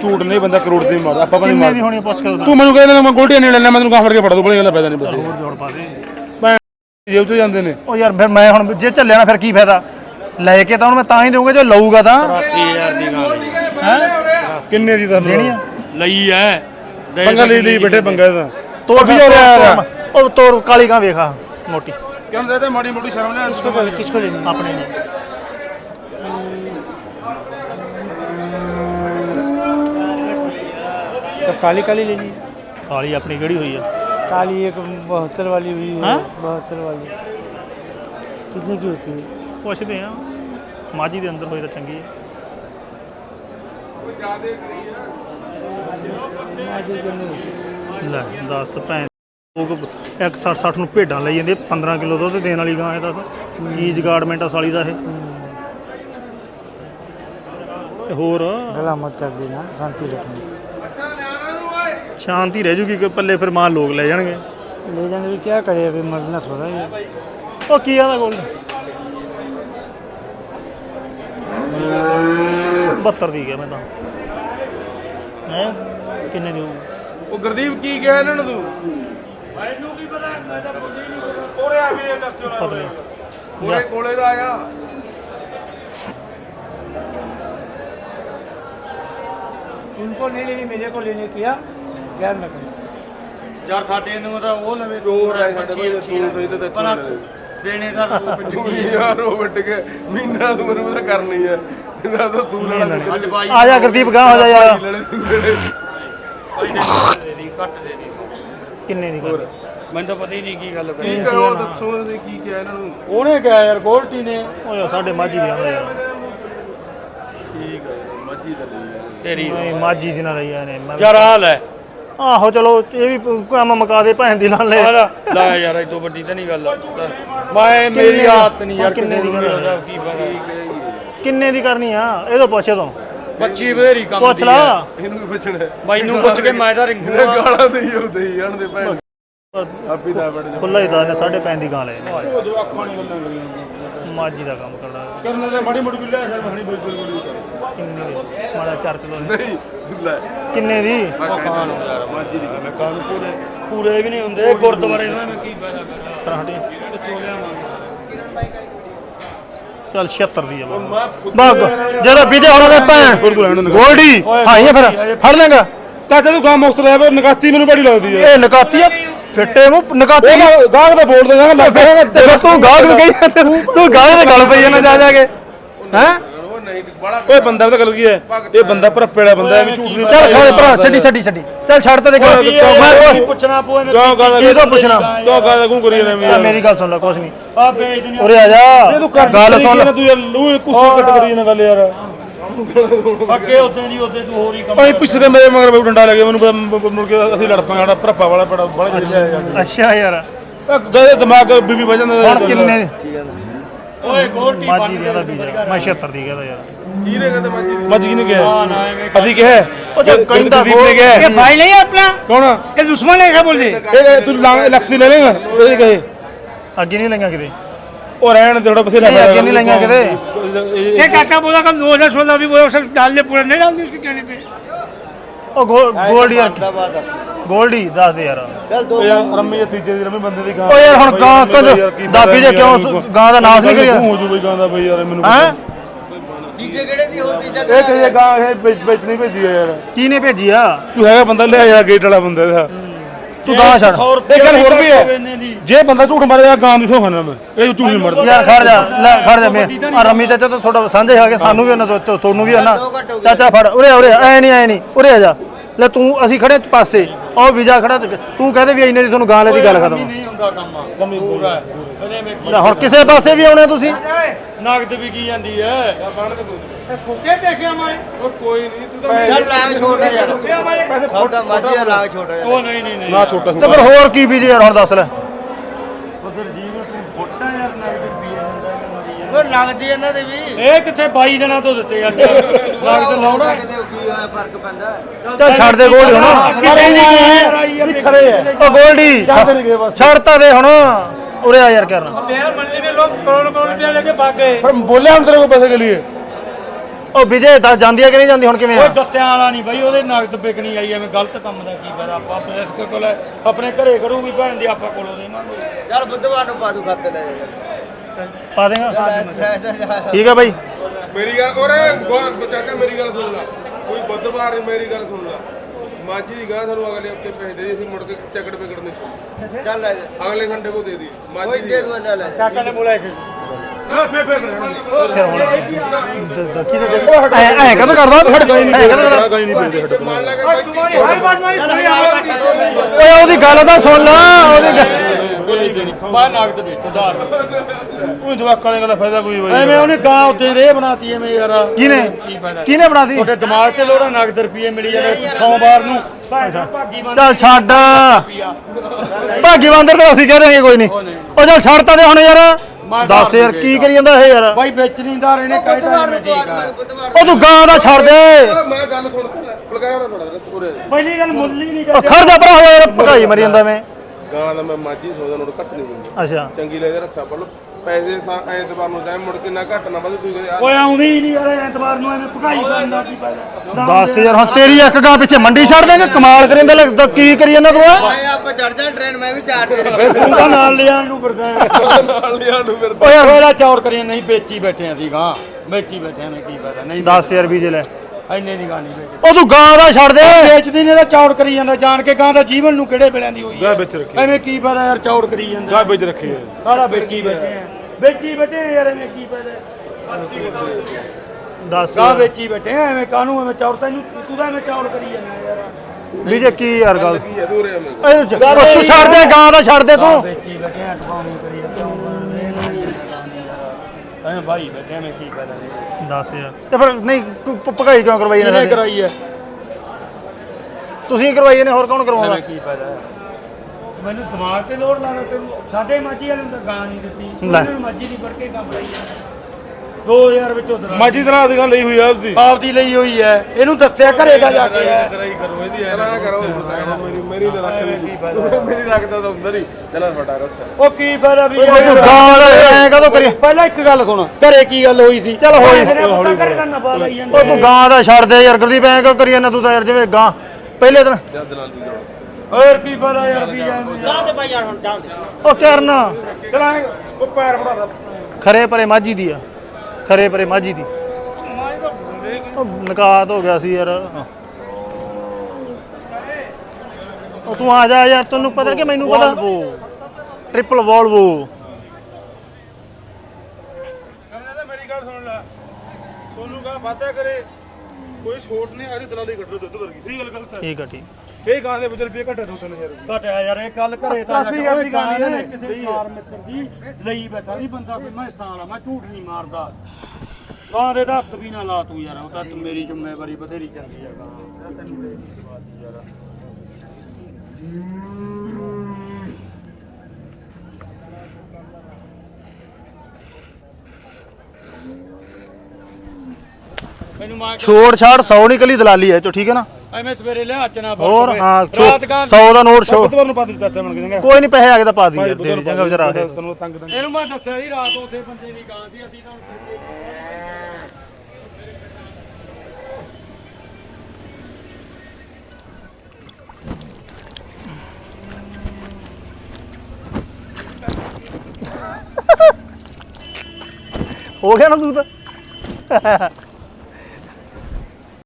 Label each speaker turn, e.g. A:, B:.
A: ਝੂਠ ਨਹੀਂ ਬੰਦਾ ਕਰੋੜ ਦੀ ਮਾਰਦਾ ਆਪਾਂ
B: ਕਿੰਨੇ ਦੀ ਹੋਣੀ ਪੁੱਛ ਕੇ
A: ਤੂੰ ਮੈਨੂੰ ਕਹਿੰਦਾ ਮੈਂ ਗੋਲਟੀਆਂ ਨਹੀਂ ਲੈਣਾ ਮੈਂ ਤੈਨੂੰ ਗਾਂ ਫੜ ਕੇ ਫੜਾ ਦੂੰ ਬੜੀ ਗੱਲ ਪੈਦਾ ਨਹੀਂ ਪਤਾ
B: ਹੋਰ ਜੋੜ ਪਾ ਦੇ
A: ਮੈਂ ਜੇਬ ਤੋਂ ਜਾਂਦੇ ਨੇ
B: ਉਹ ਯਾਰ ਫਿਰ ਮੈਂ ਹੁਣ ਜੇ ਝੱਲਿਆ ਨਾ ਫਿਰ ਕੀ ਫਾਇਦਾ ਲੈ ਕੇ ਤਾਂ ਹੁਣ ਮੈਂ ਤਾਂ ਹੀ ਦੇਵਾਂਗਾ ਜੇ ਲਊਗਾ ਤਾਂ
C: 80000 ਦੀ ਗਾਂ ਲਈ
B: ਹੈ
A: ਕਿੰਨੇ ਦੀ ਤਾਂ
B: ਲੈਣੀ ਆ
C: ਲਈ ਐ
A: ਪੰਗਾ ਲਈ ਬੈਠੇ ਪੰਗਾ ਇਹਦਾ
B: ਤੋਰ ਵੀ ਯਾਰ ਉਹ ਤੋਰ ਕਾਲੀ ਕਾਂ ਵੇਖਾ ਮੋਟੀ
A: ਕਿਉਂ ਦੇ ਮਾੜੀ ਮੋਟੀ ਸ਼ਰਮ ਲੈ
B: ਕਿਸਕੋ ਲੈਣੀ ਆਪਣੇ ਨੇ
D: सब काली काली लेनी है
B: ਕਾਲੀ ਆਪਣੀ ਕਿਹੜੀ ਹੋਈ ਆ
D: काली एक 72 वाली हुई है
B: हाँ?
D: 72 वाली कितने की होती है
B: ਪੁੱਛਦੇ ਆ ਮਾਝੀ ਦੇ ਅੰਦਰ ਹੋਈ ਤਾਂ ਚੰਗੀ ਹੈ
D: आगे के नहीं होती।
B: ਲੈ 10 ਭੈਣ ਲੋਕ 160 ਨੂੰ ਭੇਡਾਂ ਲਈ ਜਾਂਦੇ 15 ਕਿਲੋ ਦੁੱਧ ਦੇਣ ਵਾਲੀ ਗਾਂ ਹੈ ਦੱਸ ਕੀ ਜਗਾੜਮੈਂਟ ਆ ਸਾਲੀ ਦਾ ਇਹ ਤੇ ਹੋਰ
D: गला मत कर देना शांति रखना
B: ਸ਼ਾਂਤੀ ਰਹਿ ਜੂਗੀ ਕਿ ਪੱਲੇ ਫਿਰ ਮਾਂ ਲੋਕ ਲੈ ਜਾਣਗੇ
D: ले जाने भी क्या करे अभी मरना थोड़ा है
B: ਉਹ ਕੀ ਆਦਾ ਗੋਲ 72 ਦੀ ਗਿਆ ਮੈਂ ਤਾਂ ਹੈ ਕਿੰਨੇ ਦੀ ਹੋਊ
A: ਉਹ ਗੁਰਦੀਪ ਕੀ ਕਿਹਾ ਇਹਨਾਂ ਨੂੰ ਤੂੰ
C: ਮੈਨੂੰ ਕੀ ਪਤਾ ਮੈਂ ਤਾਂ ਪੁੱਛ ਹੀ ਨਹੀਂ ਕਰਦਾ
A: ਉਰੇ ਆ ਵੀ ਇਹ ਦੱਸ
B: ਪਤਾ ਨਹੀਂ
A: ਉਰੇ ਕੋਲੇ ਦਾ ਆਇਆ
D: उनको नहीं लेनी मेरे को लेने किया गैर न करो
C: ਯਾਰ ਸਾਡੇ ਨੂੰ ਤਾਂ ਉਹ ਲਵੇ
A: ਚੋਰ ਹੈ ਸਾਡੇ ਕੋਲ ਚੋਰ ਇਹਦੇ ਤਾਂ
C: ਭਲਾ
A: ਚੋਰ
C: ਦੇਣੇ ਦਾ ਰੂਪ ਵਿੱਚ
A: ਤੂੰ
C: ਕੀ ਹੈ
A: ਯਾਰ ਉਹ ਵੱਟ ਕੇ ਮਹੀਨਾ ਤੂੰ ਮੈਨੂੰ ਪਤਾ ਕਰਨੀ ਹੈ ਇਹਦਾ ਤਾਂ ਤੂੰ ਲੈਣਾ
C: ਅੱਜ ਬਾਈ
B: ਆ ਜਾ ਗੁਰਦੀਪ ਗਾਂ ਹੋ ਜਾ ਯਾਰ
C: ਬਾਈ ਦੇ ਦੀ ਕੱਟ ਦੇ ਦੀ
B: ਕਿੰਨੇ ਦੀ ਕਰ
C: ਮੈਨੂੰ ਤਾਂ ਪਤਾ ਹੀ ਨਹੀਂ ਕੀ ਗੱਲ
A: ਕੀ
C: ਕਰੀ
A: ਕਰੋ ਦੱਸੋ ਤੁਸੀਂ ਕੀ ਕਿਹਾ ਇਹਨਾਂ ਨੂੰ
C: ਉਹਨੇ ਕਿਹਾ ਯਾਰ ਗੋਲਟੀ ਨੇ
B: ਓ ਯਾਰ ਸਾਡੇ ਮਾਝੀ ਦੀ ਆਉਂਦਾ ਯਾਰ
A: ਠੀਕ ਹੈ ਮੱਝੀ ਦਾ ਲਈ
C: ਤੇਰੀ
B: ਨਹੀਂ ਮਾਝੀ ਦੀ ਨਾਲ ਰਹੀ ਨੇ
C: ਯਾਰ ਆ ਲੈ
B: ਆਹੋ ਚਲੋ ਇਹ ਵੀ ਕੰਮ ਮੁਕਾ ਦੇ ਭੈਣ ਦੀ ਨਾਲ ਲੈ
C: ਲੈ ਯਾਰ ਇਦੋਂ ਵੱਡੀ ਤਾਂ ਨਹੀਂ ਗੱਲ ਮੈਂ ਮੇਰੀ ਆਦਤ ਨਹੀਂ ਯਾਰ
B: ਕਿੰਨੇ ਦੀ ਗੱਲ
C: ਉਹਦਾ ਕੀ ਪਤਾ
B: ਕਿੰਨੇ ਦੀ ਕਰਨੀ ਆ ਇਹ ਤਾਂ ਪੁੱਛੇ ਤੋਂ
C: ਬੱਚੀ ਬਥੇਰੀ ਕੰਮ
B: ਪੁੱਛ
C: ਦੀ
B: ਲਾ
C: ਹੈ
A: ਇਹਨੂੰ ਕੀ ਪੁੱਛਣਾ
C: ਮੈਨੂੰ ਪੁੱਛ ਕੇ ਮੈਂ ਤਾਂ ਰਿੰਗੂ ਆ।
A: ਗਾਲਾਂ ਦੇਈ ਉਹਦੇ ਹੀ ਜਾਣਦੇ ਭੈਣ ਆਪੀ ਦਾ ਬੜ
B: ਖੁੱਲਾ ਹੀ ਦੱਸ ਸਾਡੇ ਭੈਣ ਦੀ ਗਾਂ ਲੈ
A: ਉਹ ਜੋ ਅੱਖਾਂ ਨਹੀਂ ਗੱਲਾਂ ਕਰੀਆਂ
B: ਮਾਝੀ ਦਾ ਕੰਮ ਕਰਦਾ
A: ਕਰਨ ਦੇ ਮਾੜੀ ਮੋਟੀ ਬਿੱਲਾ ਸਰ ਮਖਣੀ ਬਿਲਕੁਲ
B: ਕਿੰਨੇ ਦੀ ਮਾੜਾ 4 ਕਿਲੋ
A: ਨਹੀਂ ਲੈ
B: ਕਿੰਨੇ ਦੀ
C: ਉਹ ਕਾਨ ਯਾਰ ਮਰਜੀ ਦੀ ਮੈਂ ਕਾਨ ਪੂਰੇ ਵੀ ਨਹੀਂ ਹੁੰਦੇ ਗੁਰਦੁਆਰੇ ਨੂੰ ਮੈਂ ਕੀ ਫਾਇਦਾ ਕਰਾਂ
B: ਟਰਾਂਟੇ
C: ਕਿੱਥੋਂ ਲਿਆਵਾਂਗੇ
B: ਚੱਲ 76 ਦੀ ਆ ਬਾਗ ਜਿਹੜਾ ਵਿਜੇ ਹੋਣਾ ਦੇ ਭੈਣ ਗੋਲਡੀ ਹਾਂ ਇਹ ਫਿਰ ਫੜ ਲੈਂਗਾ
A: ਚਾਚਾ ਤੂੰ ਗਾਂ ਮੁਫਤ ਲੈ ਨਗਾਤੀ ਮੈਨੂੰ ਬੜੀ ਲੱਗਦੀ ਹੈ
B: ਇਹ ਨਕਾਤੀ ਆ ਫਿੱਟੇ ਮੂੰਹ ਨਕਾਤੀ
A: ਗਾਹ ਦਾ ਬੋਲ ਦੇ ਜਾਗਾ
B: ਫਿਰ ਤੂੰ ਗਾਹਕ ਨੂੰ ਕਹੀ ਤੂੰ ਗਾਹਕ ਦੇ ਗਲ ਪਈ ਜਾਂਦਾ ਜਾ ਕੇ ਹੈ
A: ਉਹ ਨਹੀਂ ਬੜਾ ਓਏ ਬੰਦਾ ਤਾਂ ਗੱਲ ਕੀ ਹੈ ਇਹ ਬੰਦਾ ਭਰਪੇ ਵਾਲਾ ਬੰਦਾ ਐਵੇਂ ਝੂਠ ਨਹੀਂ
B: ਚੱਲ ਖੜੇ ਭਰਾ ਛੱਡੀ ਚੱਲ ਛੱਡ ਤੇ ਦੇਖ
C: ਮੈਂ ਪੁੱਛਣਾ ਪੋਏ ਮੈਂ
A: ਕਿਉਂ ਗਾਹ
B: ਕੀ ਤੋਂ ਪੁੱਛਣਾ
A: ਕਿਉਂ ਗਾਹ ਦਾ ਕਿਉਂ ਕਰੀ ਜਾਂਦਾ
B: ਤਾਂ ਮੇਰੀ ਗੱਲ ਸੁਣ ਲੈ ਕੁਛ ਨਹੀਂ
C: ਆ ਵੇਚ ਦਿੰਦੇ
B: ਉਰੇ ਆ ਜਾ ਗੱਲ ਸੁਣ
A: ਤੂੰ ਯਾਰ ਲੂਏ ਕੁੱਤੇ ਕੱਟ ਕਰੀ ਜਾਂਦਾ ਗੱਲ ਯਾਰ
C: ਅੱਗੇ ਉਦੋਂ ਦੀ ਉਦੋਂ ਤੂੰ ਹੋਰ ਹੀ ਕੰਮ
A: ਭਾਈ ਪਿੱਛੇ ਮੇਰੇ ਮਗਰ ਬਈ ਡੰਡਾ ਲੱਗੇ ਮੈਨੂੰ ਪਤਾ ਮੁੜ ਕੇ ਅਸੀਂ ਲੜ ਪਾਂਗੇ ਸਾਡਾ ਭਰਪਾ ਵਾਲਾ ਬੜਾ ਜਿਹੜਾ
B: ਅੱਛਾ ਯਾਰ
A: ਗਏ ਦਿਮਾਗ ਬੀਬੀ ਵਜਨ
B: ਹੁਣ ਕਿੰਨੇ
C: ਓਏ ਗੋਲਟੀ
B: ਮਾਜੀ ਦੀ ਦਾ ਵੀਜ਼ਾ ਮੈਂ 76 ਦੀ ਕਹਦਾ ਯਾਰ
A: ਕਿਹਨੇ ਕਹਿੰਦੇ ਮੱਜੀ ਮੱਜੀ ਕਿਹਨੇ ਕਿਹਾ
C: ਆ ਨਾ ਐਵੇਂ
A: ਅਸੀਂ ਕਿਹਾ
B: ਉਹ ਜੇ ਕਹਿੰਦਾ
A: ਦੀਪ ਨੇ ਕਿਹਾ
D: ये भाई नहीं है अपना
A: ਕੌਣ
D: ये दुश्मन है क्या बोल रहे
A: ਇਹ ਤੂੰ ਲੱਖ ਦੀ ਲੈ ਲੇਗਾ ਇਹਦੇ ਕਹੇ
B: ਅੱਗੇ ਨਹੀਂ ਲਈਆਂ ਕਿਤੇ
A: ਉਹ ਰਹਿਣ ਦੇ ਥੋੜਾ ਬਥੇਰਾ
B: ਨਹੀਂ, ਅੱਗੇ नहीं ਲਈਆਂ ਕਿਤੇ
D: ये काका बोला कल 2016 भी बोला सब डाल ले पूरा नहीं डाल दी उसके कहने पे
B: ਉਹ ਗੋਲਡੀ ਯਾਰ ਗੋਲਡੀ ਦੱਸ ਦੇ ਯਾਰ
A: ਯਾਰ ਰੰਮੀ ਇਹ ਤੀਜੇ ਦੀ ਰੰਮੀ ਬੰਦੇ ਦੀ ਗਾਂ
B: ਓ ਯਾਰ ਹੁਣ ਗਾਂ ਦਾਬੀ ਦੇ ਕਿਉਂ ਗਾਂ ਦਾ ਨਾਸ ਨਹੀਂ ਕਰਿਆ
A: ਹੋ ਜੂ ਬਈ ਗਾਂ ਦਾ ਬਈ ਯਾਰ ਮੈਨੂੰ
B: ਹੈ
E: ਤੀਜੇ ਕਿਹੜੇ ਦੀ ਹੋਰ ਤੀਜਾ
A: ਇਹ ਕਹੇ ਗਾਂ ਇਹ ਵਿੱਚ ਨਹੀਂ ਭੇਜੀ ਯਾਰ
B: ਕੀ ਨੇ ਭੇਜੀ ਆ
A: ਤੂੰ ਹੈਗਾ ਬੰਦਾ ਲਿਆ ਯਾਰ ਗੇਟ ਵਾਲਾ ਬੰਦਾ ਇਹਦਾ
B: ਤੂੰ ਗਾਂ ਛੱਡ
C: 100 ਰੁਪਏ
A: ਇਹ ਗੱਲ ਹੋਰ ਵੀ ਹੈ
C: ਇਹਨੇ ਦੀ
A: ਜੇ ਬੰਦਾ ਝੂਠ ਮਾਰੇਗਾ ਗਾਂ ਦੀ ਸੋਹਣਾ ਮੈਂ ਇਹ ਝੂਠ ਨਹੀਂ ਮਾਰਦਾ
B: ਯਾਰ ਖੜ ਜਾ ਲੈ ਖੜ ਜਾ ਮੈਂ ਆ ਰਮੀ ਚਾਚਾ ਤਾਂ ਤੁਹਾਡਾ ਸਾਂਝੇ ਆ ਕੇ ਸਾਨੂੰ ਵੀ ਉਹਨਾਂ ਤੋਂ ਤੁਹਾਨੂੰ ਵੀ ਉਹਨਾਂ ਚਾਚਾ ਫੜ ਉਰੇ ਐ ਨਹੀਂ ਉਰੇ ਆ ਜਾ ਲੈ ਤੂੰ ਅਸੀਂ ਖੜੇ ਪਾਸੇ ਉਹ ਵੀਜ਼ਾ ਖੜਾ ਤੂੰ ਕਹਦੇ ਵੀ ਇੰਨੇ ਦੀ ਤੁਹਾਨੂੰ ਗਾਂ ਲੈ ਦੀ ਗੱਲ ਖਤਮ
C: ਨਹੀਂ ਹੁੰਦਾ ਕੰਮ ਪੂਰਾ ਇਹਨੇ ਵੇਖੀ
B: ਹੁਣ ਕਿਸੇ ਪਾਸੇ ਵੀ ਆਉਣੇ ਤੁਸੀਂ
C: ਨਗਦ ਵੀ ਕੀ ਜਾਂਦੀ ਹੈ
D: फूके पैसे हमारे
A: ਕੋਈ ਨਹੀਂ ਤੂੰ ਤਾਂ
E: ਚੱਲ ਲਾਗ ਛੋਟਾ ਯਾਰ
D: ये हमारे
E: ਸੌਦਾ ਮਾਝੀ ਦਾ ਲਾਗ ਛੋਟਾ ਯਾਰ
C: ਉਹ ਨਹੀਂ
A: ਨਾ ਛੋਟਾ
B: ਤੇ ਫਿਰ ਹੋਰ ਕੀ ਵੀਜ਼ੇ ਯਾਰ ਹੁਣ ਦੱਸ ਲੈ
C: ਉਹ ਫਿਰ ਜੀਵ ਤੂੰ ਫੋਟਾ ਯਾਰ ਨਗਦ ਵੀ ਜਾਂਦਾ
E: ਉਹ ਲੱਗਦੀ ਇਹਨਾਂ ਦੇ ਵੀ
C: ਇਹ ਕਿੱਥੇ 22 ਦਿਨਾਂ ਤੋਂ ਦਿੱਤੇ ਅੱਜ ਨਗਦ ਲਾਉਣਾ
E: ਕਿਤੇ ਕੀ ਹੋਇਆ ਫਰਕ ਪੈਂਦਾ
B: ਚੱਲ ਛੱਡ ਦੇ ਗੋਲਡੀ ਹੁਣ
A: ਖੜੇ ਹੈ
B: ਉਹ ਗੋਲਡੀ ਛੱਡਤਾ ਦੇ ਹੁਣ ਉਰੇ ਆ ਯਾਰ ਕਰਨਾ
D: बिहार मंडी में लोग करोड़ करोड़ रुपया लेके भाग गए
A: ਪਰ ਬੋਲਿਆ ਹਮ ਤੇਰੇ ਕੋ ਪੈਸੇ ਕੇ लिए
B: ਉਹ ਵਿਜੇ ਤਾਂ ਜਾਂਦੀ ਆ ਕਿ ਨਹੀਂ ਜਾਂਦੀ ਹੁਣ ਕਿਵੇਂ
C: ਉਹ
B: ਆ
C: ਦਿੱਤਿਆਂ ਵਾਲਾ ਨਹੀਂ ਬਾਈ ਉਹਦੇ ਨਗਦ ਵਿਕਣੀ ਆਈ ਐਵੇਂ ਗਲਤ ਕੰਮ ਦਾ ਕੀ ਫਾਇਦਾ ਆਪਾਂ ਇਸ ਕੋਲ ਆਪਣੇ ਘਰੇ ਕਰੂਗੀ ਭੈਣ ਦੀ ਆਪਾਂ ਕੋਲੋਂ ਦੇਵਾਂਗੇ
E: ਚੱਲ ਬੁੱਧਵਾਰ ਨੂੰ ਪਾਦੂ ਖਾਤੇ ਲੈ ਜਾ
B: ਪਾ ਦੇਗਾ
E: ਜਾ
B: ਠੀਕ ਆ ਬਾਈ
F: ਮੇਰੀ ਗੱਲ ਓਰੇ ਚਾਚਾ ਮੇਰੀ ਗੱਲ ਸੁਣ ਲੈ ਕੋਈ ਬੁੱਧਵਾਰ ਨਹੀਂ ਮੇਰੀ ਗੱਲ ਸੁਣ ਲੈ ਮਾਜੀ ਦੀ ਗਾਂ ਸਾਨੂੰ ਅਗਲੇ ਹਫਤੇ ਪੈਸੇ ਦੇ ਦੀ ਅਸੀਂ ਮੁੜ ਕੇ ਚੱਕੜ ਵਿਕੜ ਨਹੀਂ
E: ਚੱਲ ਲੈ ਜਾ
F: ਅਗਲੇ ਸੰਡੇ ਕੋ ਦੇ ਦੀ
E: ਕੋਈ
F: ਮਾਜੀ
E: ਦੇ ਦੂ ਲੈ ਜਾ
D: ਚਾਚਾ ਨੇ ਬੋਲਿਆ ਸੀ
B: ਐ ਕਦੋਂ ਕਰਦਾ ਫੜ ਐ ਕਦੋਂ ਕਰਦਾ
A: ਕੋਈ ਨਹੀਂ ਦੇ ਹੱਡ
F: ਮੰਨ ਲਾ
D: ਓਏ ਤੁਹਾਡੀ ਹਰ ਬਾਤ ਮਾਰੀ ਪੂਰੀ ਆ
B: ਓਏ ਉਹਦੀ ਗੱਲ ਤਾਂ ਸੁਣ ਲਾ ਉਹਦੀ
C: ਬਾ ਨਗਦ ਵੇਚ ਉਧਾਰ
A: ਉਹ ਜਵਾਕਾਂ ਦੇ ਗੱਲ ਫਾਇਦਾ ਕੋਈ ਬਾਈ
C: ਐਵੇਂ ਉਹਨੇ ਗਾਂ ਉੱਤੇ ਰੇ ਬਣਾਤੀ ਐਵੇਂ ਯਾਰ
B: ਕਿਹਨੇ ਬਣਾਦੀ
C: ਤੁਹਾਡੇ ਦਿਮਾਗ ਤੇ ਲੋੜਾ ਨਗਦ ਰੁਪਏ ਮਿਲੀ ਜਾਂਦੇ ਸੋਮਵਾਰ ਨੂੰ ਭਾਗੀ ਬੰਦ
B: ਚੱਲ ਛੱਡ ਭਾਗੀ ਬਾਂਦਰ ਤਾਂ ਅਸੀਂ ਕਹਿ ਦੇਂਗੇ ਕੋਈ ਨਹੀਂ ਉਹ ਚੱਲ ਛੱਡਤਾ ਦੇ ਹੁਣ ਯਾਰ ਦੱਸ ਯਾਰ ਕੀ ਕਰੀ ਜਾਂਦਾ ਇਹ ਯਾਰ
C: ਬਾਈ ਵੇਚਣੀਦਾਰ ਇਹਨੇ ਕਹਿ
E: ਬੁੱਧਵਾਰ
C: ਮੈਂ
E: ਨੂੰ
C: ਠੀਕ ਆ
E: ਬੁੱਧਵਾਰ
B: ਉਹ ਤੂੰ ਗਾਂ ਦਾ ਛੱਡ ਦੇ
F: ਮੈਂ ਗੱਲ ਸੁਣ ਬਲਕਾਰ ਨਾ ਥੋੜਾ ਦੱਸ ਉਰੇ
D: ਪਹਿਲੀ ਗੱਲ ਮੁੱਲ ਹੀ ਨਹੀਂ
B: ਉਹ ਖੜ ਜਾ ਭਰਾ ਯਾਰ ਭਗਾਈ ਮਰੀ ਜਾਂਦਾ ਮੈਂ
F: ਗਾਂ ਦਾ ਮੈਂ ਮਾਜੀ 100 ਦਾ ਨੋਟ ਘੱਟ ਨਹੀਂ ਦਿੰਦਾ
B: ਅੱਛਾ
F: ਚੰਗੀ ਲੱਗਦਾ ਰੱਸਾ ਪੜ ਲਓ ਪੈਸੇ ਐਤਵਾਰ ਨੂੰ ਚਾਹੇ ਮੁੜ ਕੇ ਨਾ ਘੱਟ ਨਾ ਵਧੂ ਤੁਸੀਂ ਕਹਿੰਦੇ
D: ਓਏ ਆਉਂਦੀ ਹੀ ਨਹੀਂ ਯਾਰ ਐਤਵਾਰ ਨੂੰ ਐਵੇਂ ਭਗਾਈ ਕਰਨਾ ਕੀ ਫਾਇਦਾ
B: ਦੱਸ ਯਾਰ ਹੁਣ ਤੇਰੀ ਇੱਕ ਗਾਂ ਪਿੱਛੇ ਮੰਡੀ ਛੱਡ ਦੇਂਗੇ ਕਮਾਲ ਕਰੀ ਜਾਂਦਾ ਲੱਗਦਾ ਕੀ ਕਰੀ ਜਾਂਦਾ ਤੂੰ
E: ਮੈਂ ਆਪਾਂ ਚੜ ਜਾ ਟ੍ਰੇਨ ਮੈਂ ਵੀ ਚਾਰ
C: ਤੂੰ ਤਾਂ ਨਾਲ ਲਿਆਣ ਨੂੰ ਫਿਰਦਾ
F: ਨਾਲ ਲਿਆ ਨੂੰ ਫਿਰ
B: ਓ ਯਾਰ
C: ਉਹਦਾ ਚੌੜ ਕਰੀਏ ਨਹੀਂ ਵੇਚੀ ਬੈਠੇ ਅਸੀਂ ਗਾਂ ਵੇਚੀ ਬੈਠੇ ਮੈਂ ਕੀ ਫਾਇਦਾ ਨਹੀਂ
B: ਦੱਸ ਯਾਰ ਵੀਜੇ ਲੈ
C: ਇੰਨੇ ਦੀ ਗਾਂ ਨਹੀਂ ਵੇਚੀ
B: ਉਹ ਤੂੰ ਗਾਂ ਦਾ ਛੱਡ ਦੇ
C: ਵੇਚਦੀ ਨੇ ਤਾਂ ਚੌੜ ਕਰੀ ਜਾਂਦਾ ਜਾਣ ਕੇ ਗਾਂ ਦਾ ਜੀਵਨ ਨੂੰ ਕਿਹੜੇ ਵੇਲਿਆਂ ਦੀ ਹੋਈ
A: ਗਾਂ ਵਿੱਚ ਰੱਖੀ
C: ਐਵੇਂ ਕੀ ਫਾਇਦਾ ਯਾਰ ਚੌੜ ਕਰੀ ਜਾਂਦਾ
A: ਗਾਂ ਵਿੱਚ ਰੱਖੀ ਹੈ
C: ਸਾਰਾ ਵੇਚੀ ਬੈਠੇ ਆ ਵੇਚੀ ਬੈਠੇ ਆ ਯਾਰ ਐਵੇਂ ਕੀ ਫਾਇਦਾ
B: ਦੱਸ
C: ਗਾਂ ਵੇਚੀ ਬੈਠੇ ਆ ਐਵੇਂ ਕਾਹਨੂੰ ਐਵੇਂ ਚੌੜ ਤੈਨੂੰ ਤੂੰ ਤਾਂ ਐਵੇਂ ਚੌੜ ਕਰੀ ਜਾਂਦਾ ਯਾਰ
B: ਵੀਜੇ ਕੀ ਯਾਰ ਗੱਲ
F: ਕੀ ਹੈ ਦੂਰੇ ਮੈਂ
B: ਇਹ ਤੂੰ ਛੱਡ ਦੇ ਗਾਂ ਦਾ ਛੱਡ ਦੇ ਤੂੰ
C: ਵੇਚੀ ਬੈਠੇ ਆ ਟਪਾਉਣੀ ਕਰੀ ਐਵੇਂ ਭਾਈ ਬੈਠੇ ਐਵੇਂ ਕੀ ਫਾਇਦਾ ਨਹੀਂ
B: ਦੱਸ ਯਾਰ ਤੇ ਫਿਰ ਨਹੀਂ ਭਗਾਈ ਕਿਉਂ ਕਰਵਾਈ
C: ਕਿਹਨੇ
B: ਇਹਨਾਂ ਨੇ
C: ਕਰਾਈ ਹੈ
B: ਤੁਸੀਂ ਕਰਵਾਈ ਨੇ ਹੋਰ ਕੌਣ ਕਰਵਾਉਂਦਾ
C: ਐਵੇਂ ਕੀ ਫਾਇਦਾ ਹੈ ਮੈਨੂੰ ਦਿਮਾਗ ਤੇ ਲੋੜ ਲਾਣਾ ਤੈਨੂੰ ਸਾਡੇ ਮਾਝੀ ਵਾਲੇ ਨੂੰ ਤਾਂ ਗਾਂ ਨਹੀਂ ਦਿੱਤੀ
B: ਲੈ।
C: ਉਹਨਾਂ ਨੂੰ ਮਾਝੀ ਦੀ ਫੜ ਕੇ ਕੰਮ ਲਈ ਆ 2000 ਵਿੱਚੋਂ ਦਰਾ
A: ਮਾਜੀ ਤਰ੍ਹਾਂ ਦੀ ਗੱਲ ਲਈ ਹੋਈ ਆ ਉਹਦੀ
C: ਆਪਦੀ ਲਈ ਹੋਈ ਹੈ ਇਹਨੂੰ ਦੱਸਿਆ ਘਰੇ ਦਾ ਜਾ ਕੇ ਹੈ
F: ਕਰਾਈ ਕਰੋ ਇਹਦੀ ਐ ਕਰੋ ਮੇਰੀ ਤਾਂ ਰੱਖ ਮੇਰੀ ਰੱਖਦਾ ਤਾਂ ਹੁੰਦਾ ਨਹੀਂ ਚਲਾ ਤੁਹਾਡਾ ਰੱਸਾ
C: ਉਹ ਕੀ ਫਾਇਦਾ ਵੀ
B: ਉਹ ਤੂੰ ਗਾਲ ਐ ਕਦੋਂ ਕਰੀ
C: ਪਹਿਲਾਂ ਇੱਕ ਗੱਲ ਸੁਣ ਘਰੇ ਕੀ ਗੱਲ ਹੋਈ ਸੀ
B: ਚੱਲ ਹੋਈ
D: ਘਰੇ ਦਾ ਨਫਾ ਲਈ ਜਾਂਦਾ
B: ਉਹ ਤੂੰ ਗਾਂ ਦਾ ਛੱਡ ਦੇ ਯਾਰ ਗੁਰਦੀਪ ਐਂ ਕਿਉਂ ਕਰੀ ਜਾਂਦਾ ਤੂੰ ਤਾਂ ਯਾਰ ਜਿਵੇਂ ਗਾਂ ਪਹਿਲੇ ਦਿਨ
F: ਜਦ ਦਲਾਲੀ ਜੋੜ
C: ਹੋਰ ਕੀ ਫਾਇਦਾ ਯਾਰ ਵੀ ਜਾਣ
B: ਉਹ ਕਰਨਾ
A: ਚਲਾ ਉਹ ਪੈਰ ਫੜਾ ਦਾ
B: ਖਰੇ ਪਰੇ ਮਾਝੀ ਦੀ ਆ ਖਰੇ ਪਰੇ ਮਾਝੀ ਦੀ ਉਹ ਨਕਾਤ ਹੋ ਗਿਆ ਸੀ ਯਾਰ ਉਹ ਤੂੰ ਆ ਜਾ ਯਾਰ ਤੈਨੂੰ ਪਤਾ ਕਿ ਮੈਨੂੰ ਪਤਾ ਟ੍ਰਿਪਲ ਵੋਲਵੋ
A: ਮੇਰੀ ਗੱਲ ਸੁਣ ਲੈ ਸੋਨੂੰ ਕਾ ਵਾਦਾ ਕਰੇ ਕੋਈ ਛੋਟ ਨਹੀਂ ਆਦੀ ਦਲਾਲੀ ਕੱਢੋ ਦੁੱਧ ਵਰਗੀ ਸਹੀ ਗੱਲ ਗਲਤ ਹੈ
B: ਠੀਕ ਆ ਠੀਕ
A: ਇਹ ਗਾਂ ਦੇ ਵਿੱਚ ਰੁਪਏ ਘਟੇ 2-3000 ਰੁਪਏ
C: ਘਟਿਆ ਯਾਰ ਇਹ ਕੱਲ ਘਰੇ ਤਾਂ
A: ਅੱਸੀ ਹਜ਼ਾਰ ਦੀ ਗਾਂ ਨਹੀਂ ਹੈ।
C: ਕਿਸੇ ਯਾਰ ਮਿੱਤਰ ਦੀ ਲਈ ਬੈਠਾ ਨਹੀਂ ਬੰਦਾ ਕੋਈ ਮੈਂ ਸਾਲਾ ਮੈਂ ਝੂਠ ਨਹੀਂ ਮਾਰਦਾ ਗਾਂ ਦੇ ਤਾਂ ਹੱਥ ਵੀ ਨਾ ਲਾ ਤੂੰ ਯਾਰ ਉਹ ਤਾਂ ਮੇਰੀ ਜ਼ਿੰਮੇਵਾਰੀ ਬਥੇਰੀ ਚੰਗੀ ਆ ਗਾਂ ਤੈਨੂੰ ਦੇ ਦੀ ਬਾਤ ਯਾਰ ਮੈਨੂੰ ਮਾਂ
B: ਛੋੜ ਛਾੜ 100 ਨਹੀਂ ਕੱਲੀ ਦਲਾਲੀ ਐ ਚੋ ਠੀਕ ਹੈ ਨਾ
C: ਐਵੇਂ ਸਵੇਰੇ ਲਿਆ ਚਨਾ
B: ਹੋਰ ਹਾਂ
C: ਰਾਤ ਗਾਂ
B: 100 ਦਾ ਨੋਟ ਸ਼ੋ
A: ਬੁੱਧਵਾਰ ਨੂੰ ਪਾ ਦੇ ਚਾਚਾ ਬਣ ਕੇ ਚੰਗਾ
B: ਕੋਈ ਨਹੀਂ ਪੈਸੇ ਆ ਕੇ ਤਾਂ ਪਾ ਦੀ ਯਾਰ ਦੇ ਚੰਗਾ ਵਿਚਾਰਾ ਇਹ
A: ਤੈਨੂੰ ਤੰਗ ਤਾਂ
C: ਇਹਨੂੰ ਮੈਂ ਦੱਸਿਆ ਸੀ ਰਾਤ ਉਥੇ ਬੰਦੇ ਦੀ ਗਾਂ ਸੀ ਅਸੀਂ ਤਾਂ
B: ਹੋ ਗਿਆ ਨਾ ਤੂੰ ਤਾਂ